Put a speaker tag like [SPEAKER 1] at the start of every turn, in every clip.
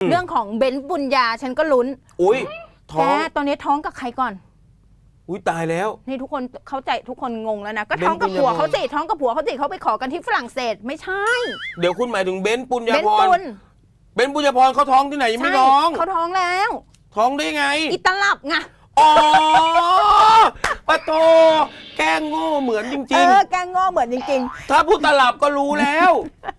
[SPEAKER 1] เรื่องของเบนซ์บุญญาฉันก็ลุ้น
[SPEAKER 2] อุ้ยท้อง
[SPEAKER 1] ตอนนี้ท้องกับใครก่อน
[SPEAKER 2] อุ้ยตายแล้ว
[SPEAKER 1] นี่ทุกคนเข้าใจทุกคนงงแล้วนะก็ท้องกับผัวเขาสิท้องกับผัวเขาสิเขาไปขอกันที่ฝรั่งเศสไม่ใช่
[SPEAKER 2] เดี๋ยวคุณหมายถึงเบนซ์ปุญญาพรเบนซ์ปุญญาพรเขาท้องที่ไหนยังไม่ท้อง
[SPEAKER 1] เขาท้องแล้ว
[SPEAKER 2] ท้องได้ไง
[SPEAKER 1] อิตาลับไง
[SPEAKER 2] อ๋อปะโตแกล้งโง่เหมือนจริง
[SPEAKER 1] ๆแกล้งโง่เหมือนจริง
[SPEAKER 2] ๆถ้าพูดตลับก็รู้แล้ว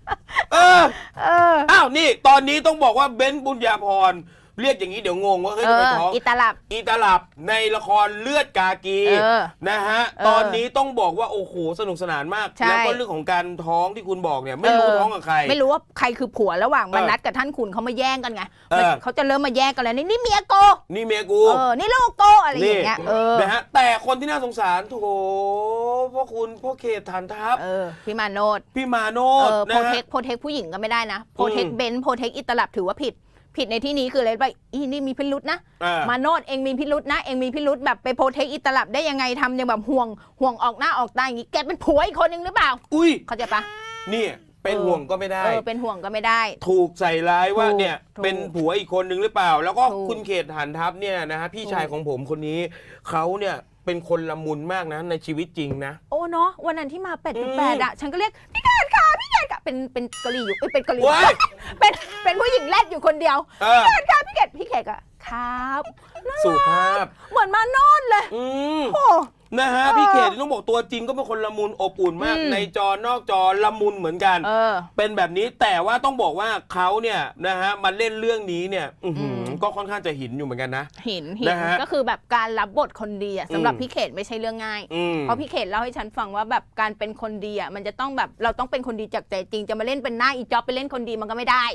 [SPEAKER 2] อ้าวนี่ตอนนี้ต้องบอกว่าเบนซ์ปุญญาพรเรียกอย่างนี้เดี๋ยวงงว่าเฮ้ยทำไมท้อง
[SPEAKER 1] อีตา
[SPEAKER 2] ลับในละครเลือดกากีนะฮะตอนนี้ต้องบอกว่าโอ้โหสนุกสนานมากแล้วก็เรื่องของการท้องที่คุณบอกเนี่ยไม่รู้ท้องกับใคร
[SPEAKER 1] ไม่รู้ว่าใครคือผัวระหว่างมนัสกับท่านขุนเขามาแย่งกันไงเขาจะเริ่มมาแย่งกันแล้วนี่เมียโก
[SPEAKER 2] นี่เมียกู
[SPEAKER 1] นี่ลูกโกอะไรอย่างเงี้ย
[SPEAKER 2] นะฮะแต่คนที่น่าสงสารโถพ่อเขตฐานทัพ
[SPEAKER 1] พี่มาโนด
[SPEAKER 2] นะฮะ
[SPEAKER 1] โพเทคผู้หญิงก็ไม่ได้นะโพเทคเบนซ์โพเทคอิตาลับถือว่าผิดในที่นี้คืออะไรไปนี่มีพิรุษนะมาโนดเองมีพิรุษนะเองมีพิรุษแบบไปโพเทคอิตาลับได้ยังไงทำยังแบบห่วงออกหน้าออกตาอย่างงี้แกเป็นผัวอีกคนนึงหรือเปล่า
[SPEAKER 2] อุ้ย
[SPEAKER 1] เข้าใจปะ
[SPEAKER 2] นี่เป็นห่วงก็ไม่ได้
[SPEAKER 1] เป็นห่วงก็ไม่ได้
[SPEAKER 2] ถูกใส่ร้ายว่าเนี่ยเป็นผัวอีกคนนึงหรือเปล่าแล้วก็คุณเขตฐานทัพเนี่ยนะฮะพี่ชายของผมคนนี้เขาเนี่ยเป็นคนละมุนมากนะในชีวิตจริงนะ
[SPEAKER 1] โอ้เนาะวันนั้นที่มา8.8อะฉันก็เรียกพี่เกดค่ะเป็นกะหรี่อยู่เป็นกะหรี่เป็นผู้หญิงแรดอยู่คนเดียวพี่เกดอะครับ
[SPEAKER 2] สุภาพ
[SPEAKER 1] เหมือนมาโนดเลย
[SPEAKER 2] โอ้นะฮะพี่เขตต้องบอกตัวจริงก็เป็นคนละมุนอบอุ่นมากในจอนอกจอละมุนเหมือนกันเป็นแบบนี้แต่ว่าต้องบอกว่าเขาเนี่ยนะฮะมาเล่นเรื่องนี้เนี่ยก็ค่อนข้างจะหินอยู่เหมือนกันนะ
[SPEAKER 1] หินก็คือแบบการรับบทคนดีสำหรับพี่เขตไม่ใช่เรื่องง่ายเพราะพี่เขตเล่าให้ฉันฟังว่าแบบการเป็นคนดีมันจะต้องแบบเราต้องเป็นคนดีจากใจจริงจะมาเล่นเป็นหน้าอีจ๊อบไปเล่นคนดีมันก็ไม่ได้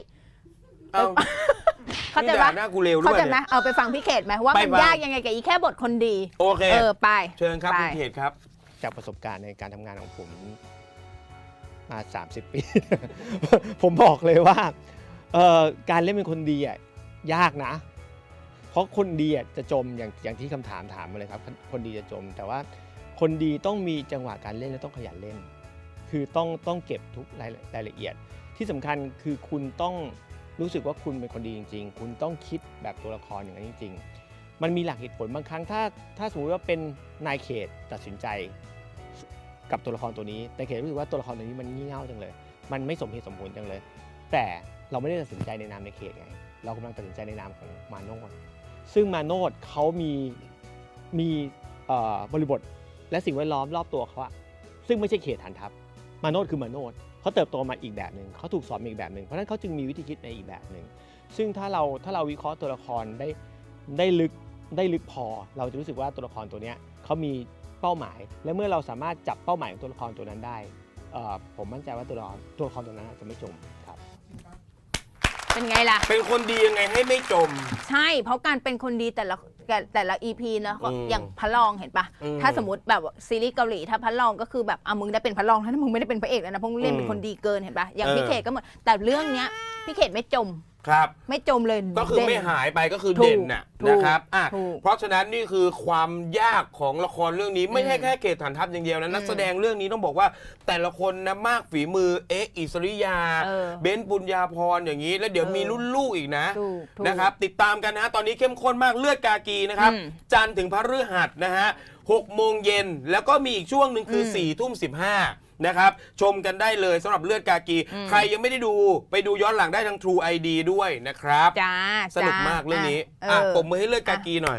[SPEAKER 1] เข้าใจไหมเข้าใจไหมเอาไปฟังพี่เขตไหมว่ามันยากยังไงกับอีแค่บทคนดี
[SPEAKER 2] โอเค
[SPEAKER 1] ไป
[SPEAKER 2] เชิญครับพี่เขตครับ
[SPEAKER 3] จากประสบการณ์ในการทำงานของผมมา30 ปีผมบอกเลยว่าการเล่นเป็นคนดียากนะเพราะคนดีจะจมอย่างที่คำถามมาเลยครับคนดีจะจมแต่ว่าคนดีต้องมีจังหวะการเล่นและต้องขยันเล่นคือต้องเก็บทุกรายละเอียดที่สำคัญคือคุณต้องรู้สึกว่าคุณเป็นคนดีจริงๆคุณต้องคิดแบบตัวละครอย่างนั้นจริงๆมันมีหลักเหตุผลบางครั้งถ้าสมมติว่าเป็นนายเขตตัดสินใจกับตัวละครตัวนี้แต่เขตรู้สึกว่าตัวละครตัวนี้มันงี่เง่าจังเลยมันไม่สมเหตุสมผลจังเลยแต่เราไม่ได้ตัดสินใจในนามในเขตไงเรากำลังตัดสินใจในนามของมาโนดซึ่งมาโนดเขามีบริบทและสิ่งแวดล้อมรอบตัวเขาซึ่งไม่ใช่เขตฐานทัพมาโนดคือมาโนดเขาเติบโตมาอีกแบบหนึ่งเขาถูกสอนมาอีกแบบหนึ่งเพราะฉะนั้นเขาจึงมีวิธีคิดในอีกแบบหนึ่งซึ่งถ้าเราวิเคราะห์ตัวละครได้ลึกพอเราจะรู้สึกว่าตัวละครตัวนี้เขามีเป้าหมายและเมื่อเราสามารถจับเป้าหมายของตัวละครตัวนั้นได้ผมมั่นใจว่าตัวละครตัวนั้นจะไม่จมครับ
[SPEAKER 1] เป็นไงล่ะ
[SPEAKER 2] เป็นคนดียังไงให้ไม่จม
[SPEAKER 1] ใช่เพราะการเป็นคนดีแต่ละ EP นะอย่างพระรองเห็นปะถ้าสมมติแบบซีรีส์เกาหลีถ้าพระรองก็คือแบบมึงได้เป็นพระรองถ้ามึงไม่ได้เป็นพระเอกแล้วนะเพราะมึงเล่นเป็นคนดีเกินเห็นปะอย่างพี่เขตก็เหมือนแต่เรื่องเนี้ยพี่เขตไม่จม
[SPEAKER 2] ครับ
[SPEAKER 1] ไม่จมเลย
[SPEAKER 2] ก็คือไม่หายไปก็คือเด่นนะครับเพราะฉะนั้นนี่คือความยากของละครเรื่องนี้ไม่ใช่แค่เขตฐานทัพอย่างเดียวนะนักแสดงเรื่องนี้ต้องบอกว่าแต่ละคนนะมากฝีมืออิสริยาเบนซ์ปุญญาพรอย่างนี้แล้วเดี๋ยวมีรุ่นลูกอีกนะครับติดตามกันนะตอนนี้เข้มข้นมากเลือดกากีนะครับจันทร์ถึงพฤหัสนะฮะ6 โมงเย็นแล้วก็มีอีกช่วงหนึ่งคือ4 ทุ่ม 15นะครับชมกันได้เลยสำหรับเลือดกากีใครยังไม่ได้ดูไปดูย้อนหลังได้ทาง True ID ด้วยนะครับสนุกมากเรื่องนี้ปรบมือให้เลือดกากีหน่อย